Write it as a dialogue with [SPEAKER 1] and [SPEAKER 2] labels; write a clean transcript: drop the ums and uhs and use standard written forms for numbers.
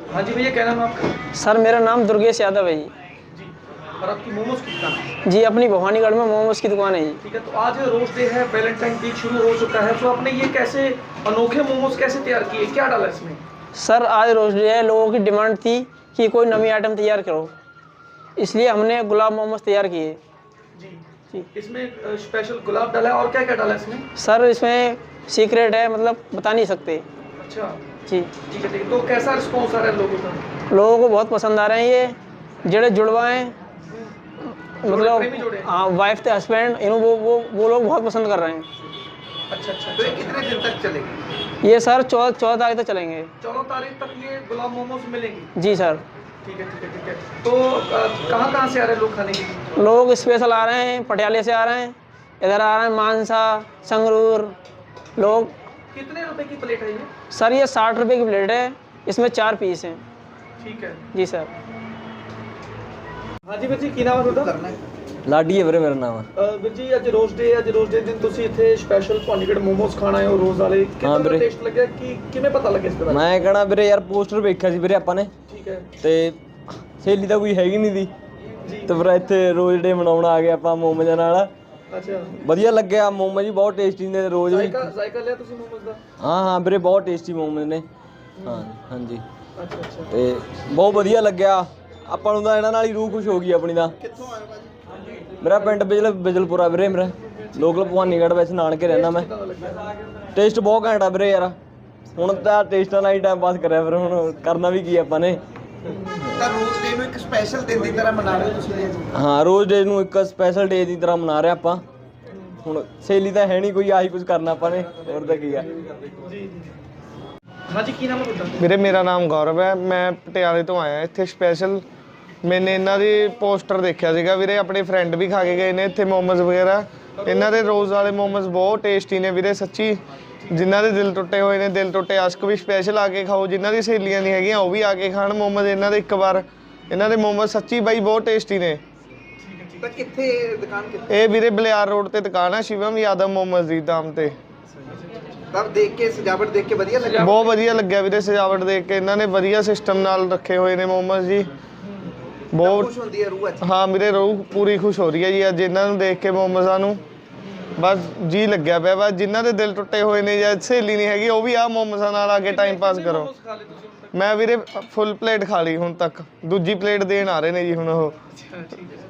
[SPEAKER 1] हाँ जी भैया, क्या नाम है आपका?
[SPEAKER 2] सर मेरा नाम दुर्गेश यादव है जी।
[SPEAKER 1] जी। और आपकी मोमोज की दुकान है?
[SPEAKER 2] जी, अपनी भवानीगढ़ में मोमोज की दुकान है जी।
[SPEAKER 1] ठीक है, तो आज रोज डे है, वैलेंटाइन वीक शुरू हो चुका है, तो आपने ये कैसे अनोखे मोमोज कैसे तैयार किए, क्या डाला इसमें?
[SPEAKER 2] सर आज रोज डे है, लोगों की डिमांड थी कि कोई नवी आइटम तैयार करो, इसलिए हमने गुलाब मोमोज तैयार किए।
[SPEAKER 1] जी।
[SPEAKER 2] जी।
[SPEAKER 1] इसमें स्पेशल गुलाब डाला है, और क्या क्या डाला है इसमें?
[SPEAKER 2] सर इसमें सीक्रेट है, मतलब बता नहीं सकते।
[SPEAKER 1] अच्छा।
[SPEAKER 2] जी।
[SPEAKER 1] ठीक है, ठीक है। तो कैसा रिस्पॉन्स आ रहा है लोगों का?
[SPEAKER 2] लोगों को बहुत पसंद आ रहे हैं ये जेड़े जुड़वा हैं,
[SPEAKER 1] प्रेमी जोड़े?
[SPEAKER 2] मतलब हाँ, वाइफ थे हस्बैंड, इन वो लोग बहुत पसंद कर रहे हैं।
[SPEAKER 1] अच्छा अच्छा। तो ये कितने दिन तक चलेगी?
[SPEAKER 2] ये सर 14 तारीख तक चलेंगे।
[SPEAKER 1] 14 तारीख तक ये गुलाब मोमोज मिलेंगे?
[SPEAKER 2] जी सर।
[SPEAKER 1] ठीक है, ठीक है, ठीक है। तो कहाँ कहाँ से आ रहे हैं लोग खाने के लिए?
[SPEAKER 2] लोग स्पेशल आ रहे हैं, पटियाले से आ रहे हैं, इधर आ रहे हैं मानसा, संगरूर लोग।
[SPEAKER 1] कितने रुपए की प्लेट है ये?
[SPEAKER 2] सर ये 60 रुपये की प्लेट है, इसमें 4 पीस हैं।
[SPEAKER 1] ठीक है
[SPEAKER 2] जी सर।
[SPEAKER 1] हाँ जी ਵੀਰ ਜੀ, ਕੀ ਨਾਮ ਹੈ ਤੁਹਾਡਾ?
[SPEAKER 3] ਲਾਡੀ ਹੈ ਵੀਰੇ ਮੇਰਾ ਨਾਮ।
[SPEAKER 1] ਵੀਰ ਜੀ ਅੱਜ ਰੋਜ਼ ਡੇ ਦਿਨ ਤੁਸੀਂ ਇੱਥੇ ਸਪੈਸ਼ਲ ਭਵਾਨੀਗੜ੍ਹ ਮੋਮੋਸ ਖਾਣ ਆਏ ਹੋ ਰੋਜ਼ ਵਾਲੇ, ਕਿੰਨਾ
[SPEAKER 3] ਵੀਰੇ।
[SPEAKER 1] ਟੇਸਟ ਲੱਗਿਆ, ਕਿ ਕਿਵੇਂ ਪਤਾ ਲੱਗਿਆ ਇਸ ਦੇ ਬਾਰੇ?
[SPEAKER 3] ਮੈਂ ਕਹਣਾ ਵੀਰੇ ਯਾਰ ਪੋਸਟਰ ਵੇਖਿਆ ਸੀ ਵੀਰੇ ਆਪਾਂ ਨੇ,
[SPEAKER 1] ਠੀਕ ਹੈ
[SPEAKER 3] ਤੇ ਸਹੇਲੀ ਤਾਂ ਕੋਈ ਹੈਗੀ ਨਹੀਂ ਦੀ,
[SPEAKER 1] ਜੀ।
[SPEAKER 3] ਤੇ ਫਿਰ ਇੱਥੇ ਰੋਜ਼ ਡੇ ਮਨਾਉਣ ਆ ਗਏ ਆਪਾਂ ਮੋਮੋਜ਼ਾਂ ਨਾਲ।
[SPEAKER 1] ਅੱਛਾ,
[SPEAKER 3] ਵਧੀਆ ਲੱਗਿਆ, ਮੋਮੋ ਜੀ ਬਹੁਤ ਟੇਸਟੀ ਨੇ ਰੋਜ਼ ਵੀ।
[SPEAKER 1] ਜ਼ਾਇਕਾ ਲਿਆ ਤੁਸੀਂ ਮੋਮੋਸ ਦਾ?
[SPEAKER 3] ਹਾਂ ਵੀਰੇ ਬਹੁਤ ਟੇਸਟੀ ਮੋਮੋ ਨੇ। ਹਾਂ ਹਾਂਜੀ,
[SPEAKER 1] ਅੱਛਾ ਅੱਛਾ।
[SPEAKER 3] ਤੇ ਬਹੁਤ ਵਧੀਆ ਲੱਗਿਆ ਆਪਾਂ ਨੂੰ ਤਾਂ, ਇਹਨਾਂ ਨਾਲ ਹੀ ਰੂਹ ਖੁਸ਼ ਹੋ ਗਈ ਆਪਣੀ ਦਾ।
[SPEAKER 1] ਕਿੱਥੋਂ ਆਏ ਭਾਜੀ?
[SPEAKER 3] ਮੇਰਾ ਪਿੰਡ ਬਿਜਲਪੁਰਾ ਵੀਰੇ, ਮੇਰਾ ਲੋਕਲ ਭਵਾਨੀਗੜ੍ਹ ਵਿੱਚ ਨਾਨਕੇ ਰਹਿੰਦਾ ਮੈਂ। ਟੇਸਟ ਬਹੁਤ ਘੈਂਟ ਆ ਵੀਰੇ ਯਾਰ, ਹੁਣ ਤਾਂ ਟੇਸਟਾਂ ਨਾਲ ਹੀ ਟਾਈਮ ਪਾਸ ਕਰਿਆ, ਫਿਰ ਹੁਣ ਕਰਨਾ ਵੀ ਕੀ ਆਪਾਂ ਨੇ।
[SPEAKER 4] ਤਾਂ ਰੋਜ਼ ਡੇ ਨੂੰ ਇੱਕ ਸਪੈਸ਼ਲ ਦਿਨ ਦੀ ਤਰ੍ਹਾਂ ਮਨਾ ਰਹੇ ਹੋ ਤੁਸੀਂ?
[SPEAKER 3] ਹਾਂ, ਰੋਜ਼ ਡੇ ਨੂੰ ਇੱਕ ਸਪੈਸ਼ਲ ਡੇ ਦੀ ਤਰ੍ਹਾਂ ਮਨਾ ਰਹੇ ਆਪਾਂ। ਹੁਣ ਸਹੇਲੀ ਤਾਂ ਹੈ ਨਹੀਂ ਕੋਈ, ਆਹੀ ਕੁਝ ਕਰਨਾ ਆਪਾਂ ਨੇ, ਹੋਰ ਤਾਂ ਕੀ ਆ।
[SPEAKER 1] ਜੀ ਜੀ। हाँ जी, की नाम है ਤੁਹਾਡਾ?
[SPEAKER 5] ਵੀਰੇ ਮੇਰਾ ਨਾਮ ਗੌਰਵ ਹੈ, ਮੈਂ ਪਟਿਆਲੇ ਤੋਂ ਆਇਆ ਇੱਥੇ ਸਪੈਸ਼ਲ। ਮੈਨੇ ਇਹਨਾਂ ਦੀ ਪੋਸਟਰ ਦੇਖਿਆ ਸੀਗਾ ਵੀਰੇ, ਆਪਣੇ ਫਰੈਂਡ ਵੀ ਖਾ ਕੇ ਗਏ ਨੇ ਇੱਥੇ ਮੋਮੋਜ਼ ਵਗੈਰਾ। ਇਹਨਾਂ ਦੇ ਰੋਜ਼ ਵਾਲੇ ਮੋਮੋਜ਼ ਬਹੁਤ ਟੇਸਟੀ ਨੇ ਵੀਰੇ, ਸੱਚੀ। ਜਿਨ੍ਹਾਂ ਦੇ ਦਿਲ ਟੁੱਟੇ ਹੋਏ ਨੇ, ਦਿਲ ਟੁੱਟੇ ਆਸ਼ਕ ਵੀ ਸਪੈਸ਼ਲ ਆ ਕੇ ਖਾਓ, ਜਿਨ੍ਹਾਂ ਦੀ ਸਹੇਲੀਆਂ ਨਹੀਂ ਹੈਗੀਆਂ ਉਹ ਵੀ ਆ ਕੇ ਖਾਣ ਮੋਮੋਜ਼ ਇਹਨਾਂ ਦੇ ਇੱਕ ਵਾਰ। ਇਹਨਾਂ ਦੇ ਮੋਮੋਜ਼ ਸੱਚੀ ਬਾਈ ਬਹੁਤ ਟੇਸਟੀ ਨੇ।
[SPEAKER 4] ਤਾਂ ਕਿੱਥੇ ਦੁਕਾਨ ਕਿੱਥੇ?
[SPEAKER 5] ਇਹ ਵੀਰੇ ਬਲਿਆਰ ਰੋਡ ਤੇ ਦੁਕਾਨ ਹੈ, ਸ਼ਿਵਮ ਯਾਦਵ ਮੋਮੋਜ਼ ਦੀ ਨਾਮ ਤੇ।
[SPEAKER 4] ਤਾਂ ਦੇਖ ਕੇ ਸਜਾਵਟ ਦੇਖ ਕੇ ਵਧੀਆ ਲੱਗਾ?
[SPEAKER 5] ਬਹੁਤ ਵਧੀਆ ਲੱਗਿਆ ਵੀਰੇ, ਸਜਾਵਟ ਦੇਖ ਕੇ। ਇਹਨਾਂ ਨੇ ਵਧੀਆ ਸਿਸਟਮ ਨਾਲ ਰੱਖੇ ਹੋਏ ਨੇ ਮੋਮੋਜ਼ ਜੀ, ਬਹੁਤ
[SPEAKER 4] ਖੁਸ਼ ਹੁੰਦੀ ਹੈ ਰੂਹ ਅੱਜ?
[SPEAKER 5] ਹਾਂ ਵੀਰੇ, ਰੂਹ ਪੂਰੀ ਖੁਸ਼ ਹੋ ਰਹੀ ਹੈ ਜੀ ਅੱਜ ਇਹਨਾਂ ਨੂੰ ਦੇਖ ਕੇ, ਮੋਮੋਜ਼ਾਂ ਨੂੰ। ਬਸ ਜੀ ਲੱਗਿਆ ਪਿਆ, ਬਸ ਜਿਨ੍ਹਾਂ ਦੇ ਦਿਲ ਟੁੱਟੇ ਹੋਏ ਨੇ ਜਾਂ ਸਹੇਲੀ ਨਹੀਂ ਹੈਗੀ ਉਹ ਵੀ ਆਹ ਮੋਮੋਜ਼ਾਂ ਨਾਲ ਆ ਕੇ ਟਾਈਮ ਪਾਸ ਕਰੋ।
[SPEAKER 1] ਖਾ ਲਏ ਤੁਸੀਂ ਹੁਣ ਤੱਕ?
[SPEAKER 5] ਮੈਂ ਵੀਰੇ ਫੁੱਲ ਪਲੇਟ ਖਾ ਲਈ ਹੁਣ ਤੱਕ, ਦੂਜੀ ਪਲੇਟ ਦੇਣ ਆ ਰਹੇ ਨੇ ਜੀ ਹੁਣ ਉਹ।
[SPEAKER 1] ਅੱਛਾ, ਠੀਕ ਹੈ।